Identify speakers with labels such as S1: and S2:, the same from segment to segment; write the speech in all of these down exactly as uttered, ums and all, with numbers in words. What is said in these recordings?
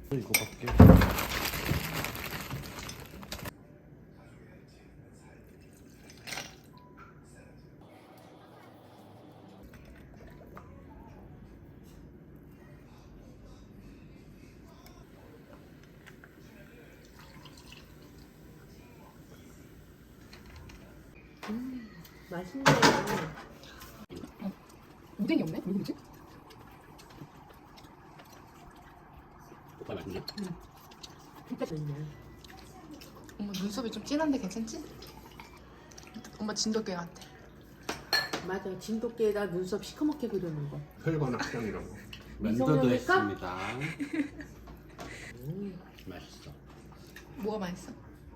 S1: 이거 밖에.
S2: 음, 맛있네.
S3: 어, 오뎅이 없네? 왜 그러지?
S1: 오빠 맛있네.
S2: 응. 진짜 맛있네.
S3: 엄마 눈썹이 좀 진한데 괜찮지? 엄마 진돗개 같아.
S2: 맞아. 진돗개에다 눈썹 시커멓게 그려놓은 거.
S1: 혈관 확장이라고.
S2: 미성년일까?
S1: 면도도 했습니다.
S2: 음.
S1: 맛있어.
S3: 뭐가 맛있어?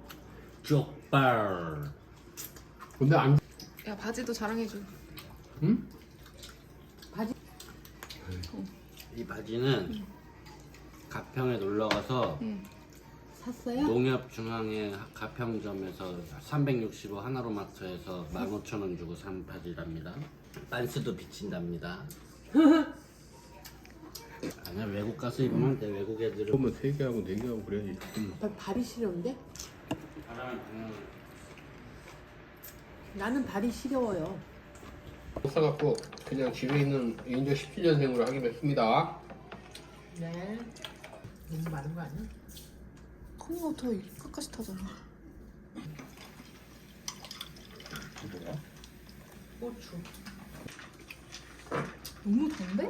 S1: 족발. 근데 안.
S3: 야 바지도 자랑해줘.
S1: 응?
S2: 바지.
S1: 이 바지는 가평에 놀러 가서
S3: 응.
S2: 샀어요?
S1: 농협중앙의 가평점에서 삼백육십오 하나로마트에서 만 오천 원 주고 산 바지랍니다. 빤스도 비친답니다. 아니야, 외국 가서 입으면 돼. 외국 애들은
S4: 보면 세 개하고 네 개하고 그래야지.
S2: 아빠 발이 시려운데?
S1: 바람은 그냥
S2: 나는 발이 시려워요.
S4: 못 사갖고 그냥 집에 있는 인조 십칠 년생으로 하기로 했습니다.
S2: 네. 너무 많은 거 아니야?
S3: 콩이가 더 끝까지 타잖아.
S1: 뭐야?
S2: 고추.
S3: 너무 단데?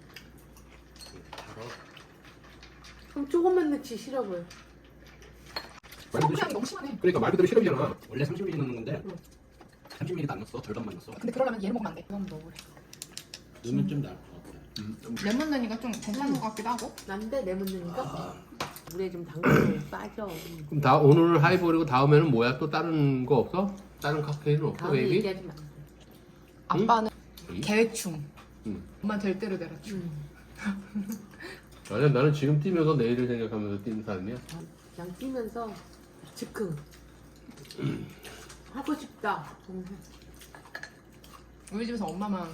S1: 바로
S2: 그럼 조금만 넣지 싫어 보여.
S3: 소금향이 너무 심하네.
S4: 그러니까 말 그대로 시럽이잖아.
S1: 원래 삼십 밀리리터 넣는 건데 삼십 밀리리터 안 넣었어. 절반만 넣었어.
S3: 근데 그러려면 얘를 먹으면 안 돼. 이거 한번 넣어보래.
S1: 넣으면 좀 나을 것 같아.
S3: 레몬 넣으니까 좀 괜찮은 것 같기도 하고.
S2: 난데 레몬 넣으니까 물에 좀 담그면 빠져.
S4: 그럼 다 오늘 하이볼이고 다음에는 뭐야? 또 다른 거 없어? 다른 칵테일은 없어,
S2: 다음에
S4: 베이비?
S2: 얘기하지 마.
S3: 아빠는
S4: 응?
S3: 계획충.
S4: 응.
S3: 엄마 될 대로 되라충.
S2: 음.
S4: 아니야, 나는 지금 뛰면서 내일을 생각하면서 뛰는 사람이야.
S2: 그냥 뛰면서 즉흥. 하고 싶다. 음.
S3: 우리 집에서 엄마만.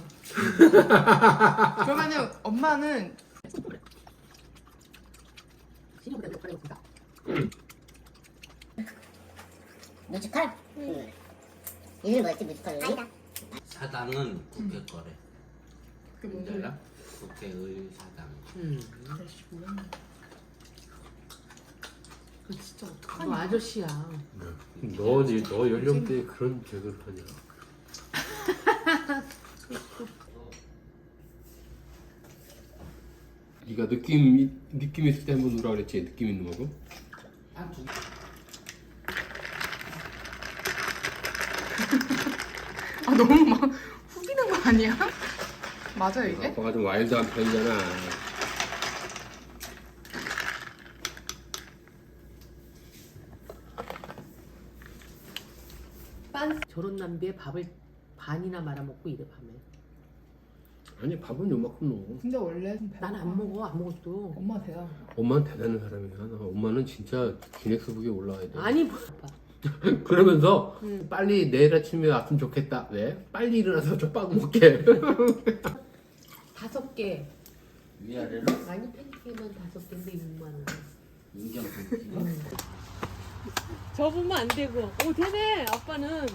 S3: 그러면은 엄마는
S2: 시리보다 몇 가지 없다.
S5: 뮤지컬? 응. 이름이 뭐였지 뮤지컬? 아니다.
S1: 사당은 국회 거래.
S3: 그게 뭔지
S1: 뭔지
S3: 알아?
S1: 알아? 국회의 사당.
S2: 음.
S3: 아저씨 뭐야? 그 진짜
S2: 너
S3: 어떡하냐?
S2: 아저씨야.
S4: 너, 니- 너 연령대에 그런 개그를 하냐? 네가 느낌, 느낌 있을 때 한번 누라 그랬지? 느낌 있는 거고?
S1: 한 두.
S3: 아 너무 막 후기는 거 아니야? 맞아요 이게?
S4: 아빠가 좀 와일드한 편이잖아.
S2: 빤 저런 남비에 밥을 반이나 말아먹고 이래 밤에.
S4: 아니, 밥은 요만큼 넣어.
S3: 근데 원래
S2: 난 안 먹어 아무것도.
S3: 엄마 대단.
S4: 엄마는 대단한 사람이야. 나 엄마는 진짜 기넥스북에 올라와야 돼.
S2: 아니 뭐. 아빠.
S4: 그러면서
S2: 음.
S4: 빨리 내일 아침에 왔으면 좋겠다. 왜? 빨리 일어나서 족밥 먹게.
S2: 다섯 개.
S1: 위아래로
S2: 아니 팬케이크만 다섯 개인데 육만 원.
S1: 인경 굵기.
S2: 접으면 안 되고. 오 되네 아빠는.